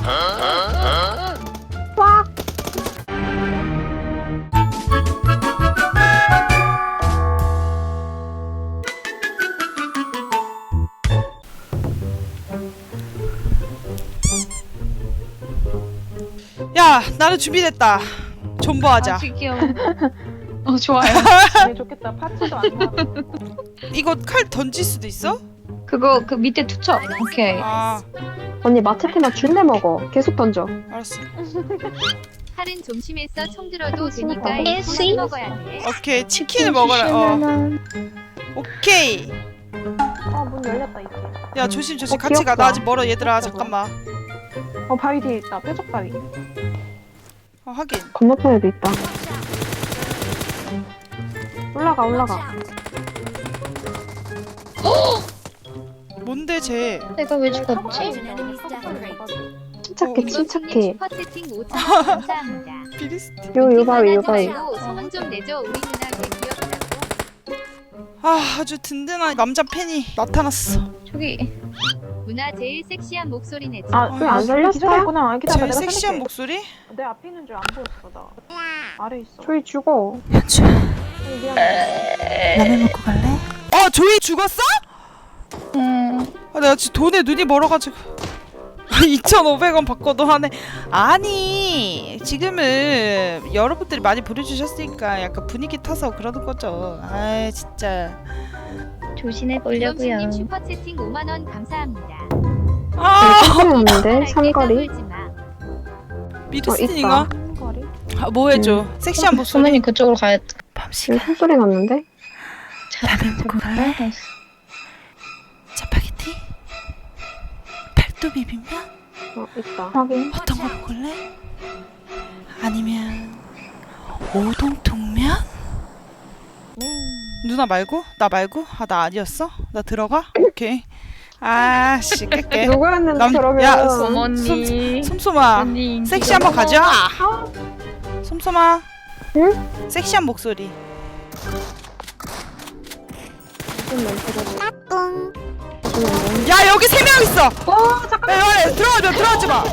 와. 야, 나는 준비됐다. 존버하자. 귀여워. 좋아요. 되게 좋겠다. 파츠도 안 나와. 이거 칼 던질 수도 있어? 그거 그 밑에 투척. 오케이. 아, 언니 마체테나 줄래 먹어. 계속 던져. 알았어. 칼은 좀 심해서 총 들어도 되니까 아, 일찍 먹어야 돼. 오케이, 치킨을 먹어라. 오케이. 문 열렸다 이제. 야, 조심 조심. 어, 같이 가. 귀엽다. 나 아직 멀어 얘들아. 잠깐만. 바위 뒤에 있다. 뾰족 바위. 하긴. 건너편에도 있다. 올라가. 뭔데 쟤? 내가 왜 죽었지? 침착해, 침착해. 슈퍼 채팅 5,000원 감사합니다. 비리스티. 요 바위, 요 바위. 소문 좀 내줘. 우리 누나 왜 귀엽다고. 아, 아주 든든한 남자 팬이 나타났어. 저기 누나 제일 섹시한 목소리 내줘. 왜 안 살렸어? 기절했구나. 기다려. 제일 내가 섹시한 살릴게. 목소리? 내 앞에 있는 줄 안 보였어 나. 아래 있어. 조이 죽어. 미안해. 라면 먹고 갈래? 조이 죽었어? 내가 지금 돈에 눈이 멀어가지고 2,500원 받고도 하네. 아니, 지금은 여러분들이 많이 보내주셨으니까 약간 분위기 타서 그러는 거죠. 아이 진짜. 조심해 김범수님 보려고요. 슈퍼 채팅 5만 원 감사합니다. 아, 상거리 삼거리. 까불지 마. 미르스틴인가? 거리. 아, 뭐 해줘? 섹시한 목소리. 소문이 그쪽으로 가야 돼. 여기 숨소리 났는데? 라면 먹고 갈래? 짜파게티? 팔도 비빔면? 있다. 확인. 어떤 거 먹을래? 아니면 오동통면? 누나 말고? 나 말고? 아, 나 아니었어? 나 들어가? 오케이. 아씨, 깰게. 누구였는데 그러면? 야, 어머니. 솜솜아, 언니 인기가 섹시 한번 가자. 솜솜아, 응? 섹시한 목소리. 야, 여기 3명 있어. 잠깐만. 야, 들어가지 마.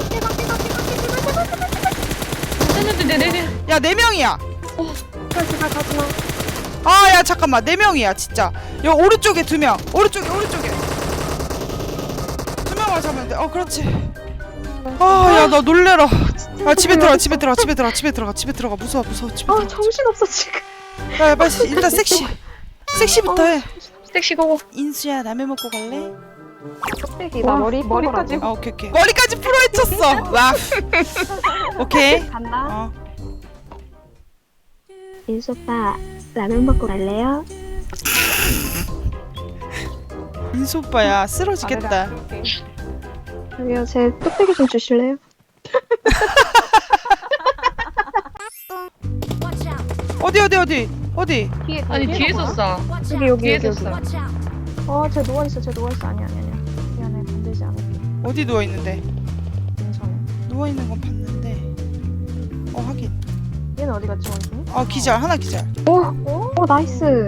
네네네네. 야, 4명이야. 가지마. 아, 야, 잠깐만. 4명이야, 진짜. 여기 오른쪽에 2명. 오른쪽에. 2명을 잡으면 돼. 그렇지. 아, 야, 나 놀래라. 아, 집에 들어가. 무서워. 집에 들어가. 정신없어 지금. 야, 빨리 일단 섹시부터 해. 섹시 고고. 인수야, 라면 먹고 갈래? 껍데기다. 머리까지. 오케이. 머리까지 풀어헤쳤어. 와. 오케이. 간다. 인수 오빠 라면 먹고 갈래요? 인수 오빠야, 쓰러지겠다. 저기요, 제 뚝배기 좀 주실래요? 어디? 뒤에 아니 뒤에서 쏴. 여기. 뒤에서 쏴. 쟤 누워있어. 아니야. 미안해. 건들지 않을게. 어디 누워 있는데? 괜찮아. 누워 있는 건 봤는데. 하긴. 얘는 어디 갔지 원숭이? 기절. 하나 기절. 오, 나이스.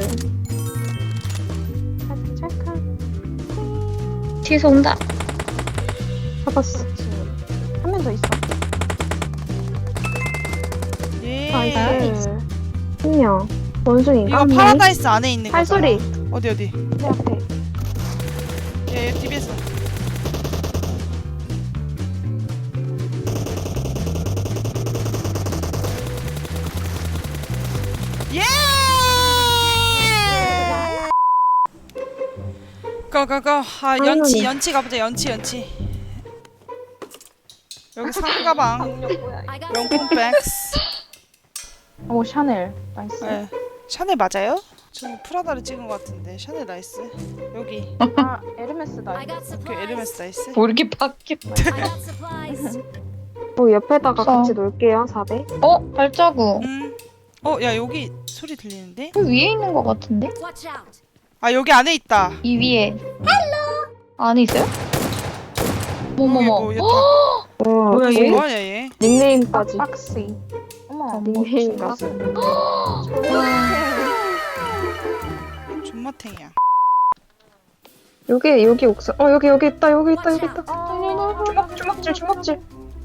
찰칵. 뒤에서 온다. 잡았어. 한 명 더 있어. 예. 나이스. 한 명. 원숭이인가? 이거 파라다이스 안에 있는 거. 팔소리. 어디? 내 앞에. 예, TV에서. 예! 가. 아, 연치 가보자. 연치. 여기 상가방. 명품백스. 오 샤넬. 나이스. 네. 샤넬 맞아요? 저는 프라다를 찍은 것 같은데. 샤넬 나이스. 여기. 에르메스다. 오케이, 에르메스 나이스. 뭐 이렇게 바뀌어? 옆에다가 없어. 같이 놓을게요. 400. 발자국. 야, 여기 소리 들리는데? 그 위에 있는 거 같은데? 아, 여기 안에 있다. 이 위에. 안에 있어요? 뭐뭐뭐. 여기 뭐야 얘? 뭐하냐 얘? 닉네임까지. 박스. 어머. 닉네임 가수. 존맛탱이야. 여기 옥상. 여기 있다. 주먹질.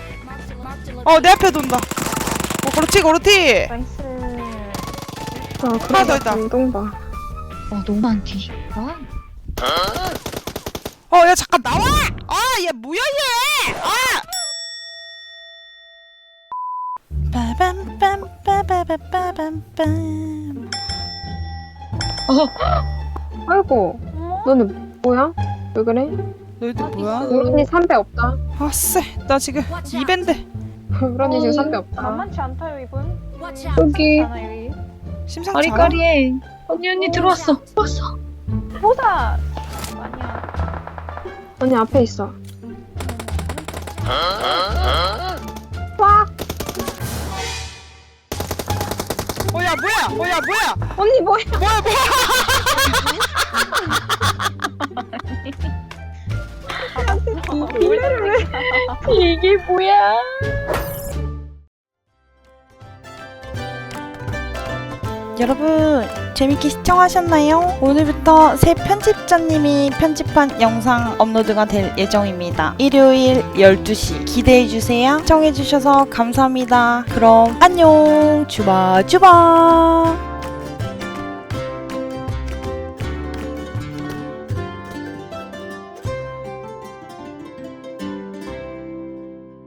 내 앞에 돈다. 그렇지 그렇지. 나이스. 하나 더 있다. 운동봐. 너무 많지. 야 잠깐 나와. 얘 뭐야 얘. 빠밤빰빠바바밤빰. 아이고, 너는 뭐야? 왜 그래? 너희들 뭐야? 우런이 3배 없다. 아쎄 나 지금 2배인데. 우런이 지금 3배 없다. 만만치 않다요 이분. 여기 않아 여기. 심상치 않아? 아리까리해. 언니 들어왔어. 왔어. 호사. 아니야. 언니 앞에 있어. 야 뭐야? 언니 뭐야? 뭐야? 이게 뭐야? 여러분 재밌게 시청하셨나요? 오늘부터 새 편집자님이 편집한 영상 업로드가 될 예정입니다. 일요일 12시 기대해주세요. 시청해주셔서 감사합니다. 그럼 안녕. 주바주바.